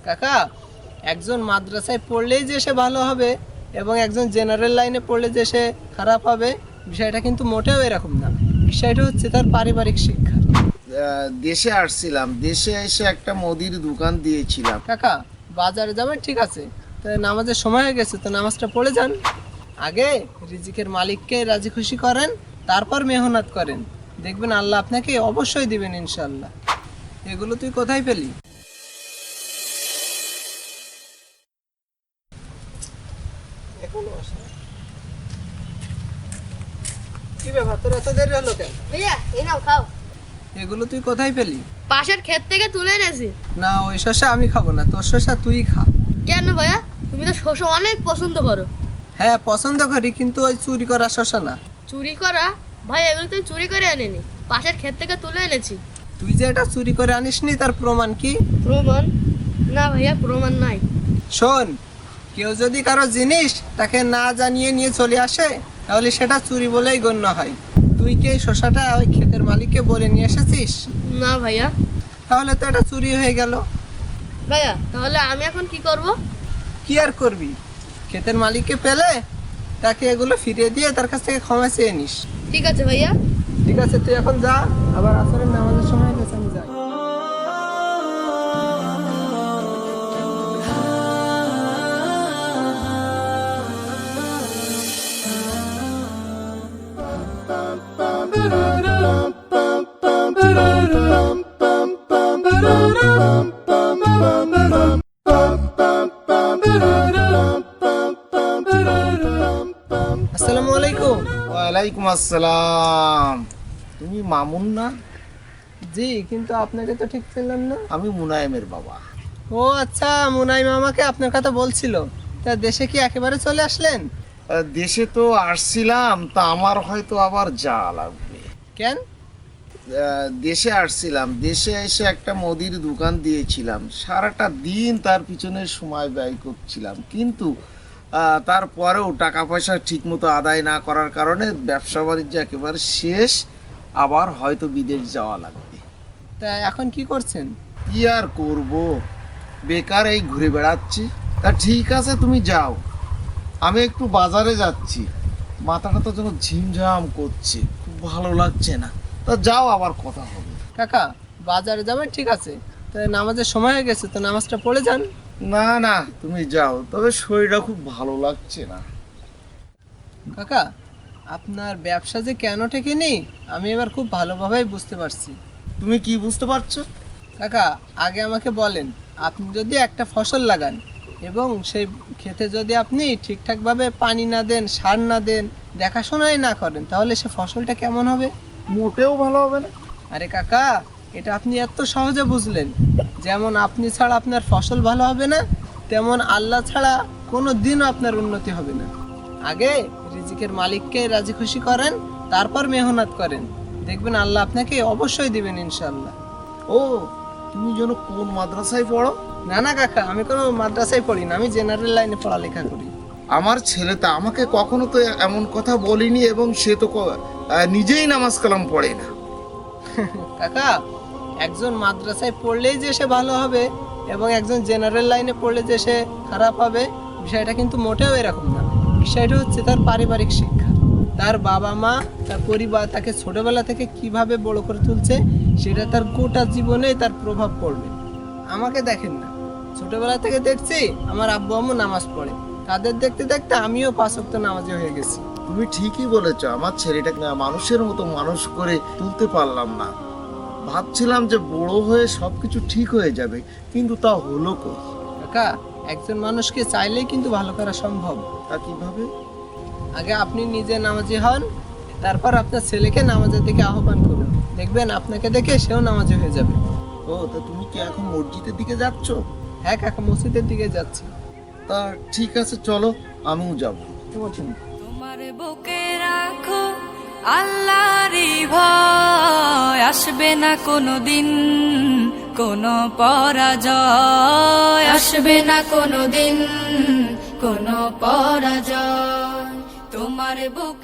কাকা, একজন মাদ্রাসায় পড়লেই যে সে ভালো হবে এবং একজন জেনারেল লাইনে পড়লে যে সে খারাপ হবে, বিষয়টা কিন্তু মোটেও এরকম না। বিষয়টা হচ্ছে তার পারিবারিক শিক্ষা। দেশে আসছিলাম, দেশে এসে একটা মুদির দোকান দিয়েছিলাম। কাকা, বাজারে যাবেন ঠিক আছে, তো নামাজের সময় হয়ে গেছে, তো নামাজটা পড়ে যান। আগে রিজিকের মালিককে রাজি খুশি করেন, তারপর মেহনত করেন, দেখবেন আল্লাহ আপনাকে অবশ্যই দিবেন ইনশাল্লাহ। এগুলো তুই কোথায় পেলি? কি ব্যাপার, তোর এত দেরি হলো কেন? ভাইয়া এই নাও খাও। এগুলো তুই কোথায় পেলি? পাশের ক্ষেত থেকে তুলে এনেছি। না, ওই শসা আমি খাবো না, তোর শসা তুই খা। কেন ভাইয়া, তুমি তো শসা অনেক পছন্দ করো। হ্যাঁ পছন্দ করি, কিন্তু ওই চুরি করা শসা না। চুরি করা? ভাই এগুলো তুই চুরি করে আনিনি, পাশের ক্ষেত থেকে তুলে এনেছি। তুই যে এটা চুরি করে আনিসনি তার প্রমাণ কি? প্রমাণ? না ভাইয়া, প্রমাণ নাই। শোন, কেউ যদি কারো জিনিস তাকে না জানিয়ে নিয়ে চলে আসে, তাহলে সেটা চুরি বলেই গণ্য হয়। তুই কি এই শসাটা ওই ক্ষেতের মালিককে বলে নিয়ে এসেছিস? না ভাইয়া। তাহলে তো এটা চুরি হয়ে গেল। ভাইয়া তাহলে আমি এখন কি করব? কি আর করবি, ক্ষেতের মালিককে পেলে তাকে এগুলো ফিরিয়ে দিয়ে তার কাছ থেকে ক্ষমা চেয়ে নিস। ঠিক আছে ভাইয়া। ঠিক আছে, তুই এখন যা, আবার আসরের নামাজের সময় হয়ে গেছে, আমি যাই। আসসালামু আলাইকুম। ওয়ালাইকুম আসসালাম। তুমি মামুন না? জি, কিন্তু আপনাকে তো ঠিক পেলাম না। আমি মুনায়েমের বাবা। ও আচ্ছা, মুনাইম আমাকে আপনার কথা বলছিল। তা দেশে কি একেবারে চলে আসলেন? দেশে তো আসছিলাম, তা আমার হয়তো আবার যাওয়া লাগবে। কেন? দেশে আসছিলাম, দেশে এসে একটা মুদির দোকান দিয়েছিলাম, সারাটা দিন তার পিছনে সময় ব্যয় করছিলাম, কিন্তু তারপরেও টাকা পয়সা ঠিকমতো আদায় না করার কারণে ব্যবসা বাণিজ্য একেবারে শেষ। আবার হয়তো বিদেশ যাওয়া লাগবে। তা এখন কি করছেন? কি আর করব, বেকার এই ঘুরে বেড়াচ্ছি। তা ঠিক আছে, তুমি যাও, আমি একটু বাজারে যাচ্ছি। মাথাটা তো যেন ঝিমঝাম করছে, খুব ভালো লাগছে না। তা যাও, আবার কথা হবে। কাকা, বাজারে যাবেন ঠিক আছে, তো নামাজের সময় হয়ে গেছে, তো নামাজটা পড়ে যান। না না, তুমি যাও, তবে শরীরটা খুব ভালো লাগছে না। কাকা, আপনার ব্যবসা যে কেন ঠেকেনি আমি এবার খুব ভালোভাবেই বুঝতে পারছি। তুমি কি বুঝতে পারছো? কাকা, আগে আমাকে বলেন, আপনি যদি একটা ফসল লাগান এবং সেই ক্ষেতে যদি আপনি ঠিকঠাকভাবে পানি না দেন, সার না দেন, দেখাশোনাই না করেন, তাহলে সে ফসলটা কেমন হবে? মোটেও ভালো হবে না। আরে কাকা, এটা আপনি এত সহজে বুঝলেন। যেমন আপনি ছাড়া আপনার ফসল ভালো হবে না, তেমন আল্লাহ ছাড়া কোনো দিনও আপনার উন্নতি হবে না। আগে রিজিকের মালিককে রাজি খুশি করেন, তারপর মেহনত করেন, দেখবেন আল্লাহ আপনাকে অবশ্যই দিবেন ইনশাল্লাহ। ও, তুমি যেন কোন মাদ্রাসায় পড়ো? না না কাকা, আমি কোনো মাদ্রাসায় পড়ি না, আমি জেনারেল লাইনে পড়ালেখা করি। আমার ছেলেটা আমাকে কখনো তো এমন কথা বলিনি, এবং সে তো নিজেই নামাজ কালাম পড়ে না। কাকা, একজন মাদ্রাসায় পড়লেই যে সে ভালো হবে এবং একজন জেনারেল লাইনে পড়লে যে সে খারাপ হবে, বিষয়টা কিন্তু মোটেও এরকম না। বিষয়টা হচ্ছে তার পারিবারিক শিক্ষা। তার বাবা মা, তার পরিবার তাকে ছোটবেলা থেকে কিভাবে বড় করে তুলছে, সেটা তার গোটা জীবনেই তার প্রভাব পড়বে। আমাকে দেখেন না, ছোটবেলা থেকে দেখছি আমার আব্বু আম্মু নামাজ পড়ে, তাদের দেখতে দেখতে আমিও 5 ওয়াক্ত নামাজি হয়ে গেছি। তুমি ঠিকই বলেছো, আমার ছেলেটাকে না মানুষের মতো মানুষ করে তুলতে পারলাম না। ভাবছিলাম যে বড় হয়ে সবকিছু ঠিক হয়ে যাবে, কিন্তু তা হলো কই। কাকা, একজন মানুষকে চাইলেই কিন্তু ভালো করা সম্ভব। তা কিভাবে? আগে আপনি নিজে নামাজি হন, তারপর আপনার ছেলেকে নামাজের দিকে আহ্বান করুন, দেখবেন আপনাকে দেখে সেও নামাজি হয়ে যাবে। ও, তা তুমি কি এখন মসজিদের দিকে যাচ্ছ? হ্যাঁ কাকা, মসজিদের দিকে যাচ্ছি। তা ঠিক আছে, চলো, আমিও যাব। তোমার বুকে রাখো আল্লাহরই ভয়, আসবে না কোনো দিন কোনো পরাজয়, আসবে না কোনো দিন কোনো পরাজয়। তোমার বুকে